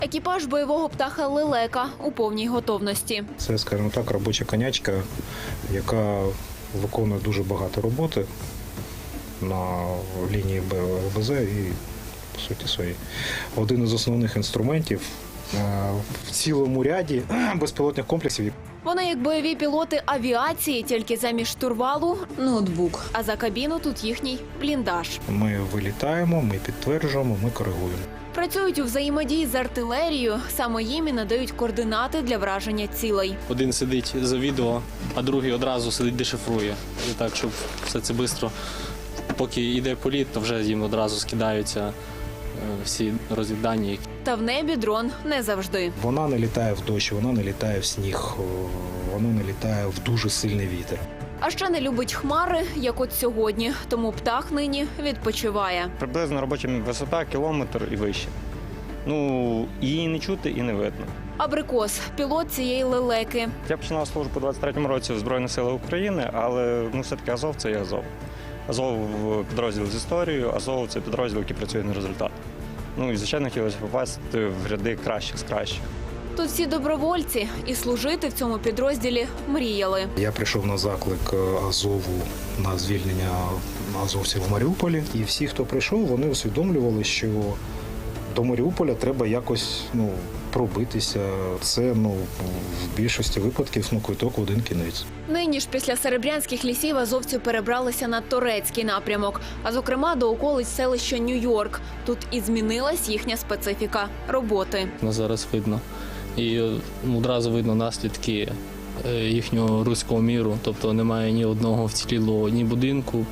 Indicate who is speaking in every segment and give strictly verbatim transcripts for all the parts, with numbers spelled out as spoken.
Speaker 1: Екіпаж бойового птаха «Лелека» у повній готовності.
Speaker 2: Це, скажімо так, робоча конячка, яка виконує дуже багато роботи на лінії БЗ і, по суті, свої. Один із основних інструментів в цілому ряді безпілотних комплексів.
Speaker 1: Вони як бойові пілоти авіації, тільки замість штурвалу – ноутбук, а за кабіну тут їхній бліндаж.
Speaker 2: Ми вилітаємо, ми підтверджуємо, ми коригуємо.
Speaker 1: Працюють у взаємодії з артилерією, саме їм і надають координати для враження цілей.
Speaker 3: Один сидить за відео, а другий одразу сидить дешифрує. І так, щоб все це швидко, поки йде політ, то вже їм одразу скидаються всі розвіддані.
Speaker 1: Та в небі дрон не завжди.
Speaker 2: Вона не літає в дощ, вона не літає в сніг, вона не літає в дуже сильний вітер.
Speaker 1: А ще не любить хмари, як от сьогодні, тому птах нині відпочиває.
Speaker 4: Приблизно робоча висота кілометр і вище. Ну, її не чути і не видно.
Speaker 1: Абрикос – пілот цієї «Лелеки».
Speaker 4: Я починав службу у двадцять третьому році в Збройних силах України, але ну, все-таки Азов – це є Азов. Азов – підрозділ з історією, Азов – це підрозділ, який працює на результат. Ну і, звичайно, хотілося попасти в ряди кращих з кращих.
Speaker 1: Тут всі добровольці і служити в цьому підрозділі мріяли.
Speaker 2: Я прийшов на заклик Азову на звільнення азовців в Маріуполі. І всі, хто прийшов, вони усвідомлювали, що до Маріуполя треба якось ну, пробитися. Це ну, в більшості випадків ну, квиток в один кінець.
Speaker 1: Нині ж після Серебрянських лісів азовці перебралися на Торецький напрямок, а зокрема до околиць селища Нью-Йорк. Тут і змінилась їхня специфіка роботи.
Speaker 3: На зараз видно. І одразу видно наслідки їхнього руського міру. Тобто немає ні одного вцілілого, ні будинку.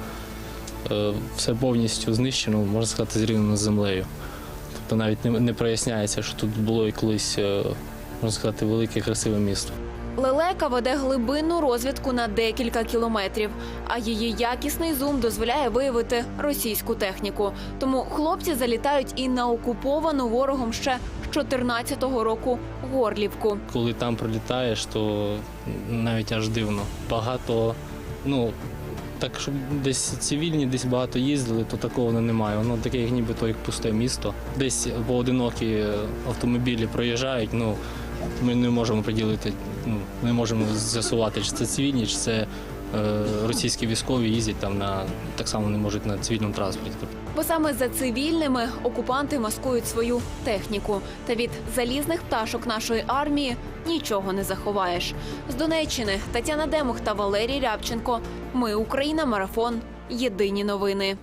Speaker 3: Все повністю знищено, можна сказати, зрівняно з землею. Тобто навіть не проясняється, що тут було і колись, можна сказати, велике красиве місто.
Speaker 1: «Лелека» веде глибинну розвідку на декілька кілометрів, а її якісний зум дозволяє виявити російську техніку. Тому хлопці залітають і на окуповану ворогом ще з чотирнадцятого року Горлівку.
Speaker 3: Коли там прилітаєш, то навіть аж дивно. Багато, ну, так, щоб десь цивільні, десь багато їздили, то такого немає. Воно таке, як нібито як пусте місто. Десь поодинокі автомобілі проїжджають, ну, ми не можемо приділити, ну, не можемо з'ясувати, чи це цивільні, чи це е, російські військові їздять там на, так само не можуть на цивільному транспорті.
Speaker 1: Бо саме за цивільними окупанти маскують свою техніку. Та від залізних пташок нашої армії нічого не заховаєш. З Донеччини Тетяна Демух та Валерій Рябченко. Ми Україна. Марафон. Єдині новини.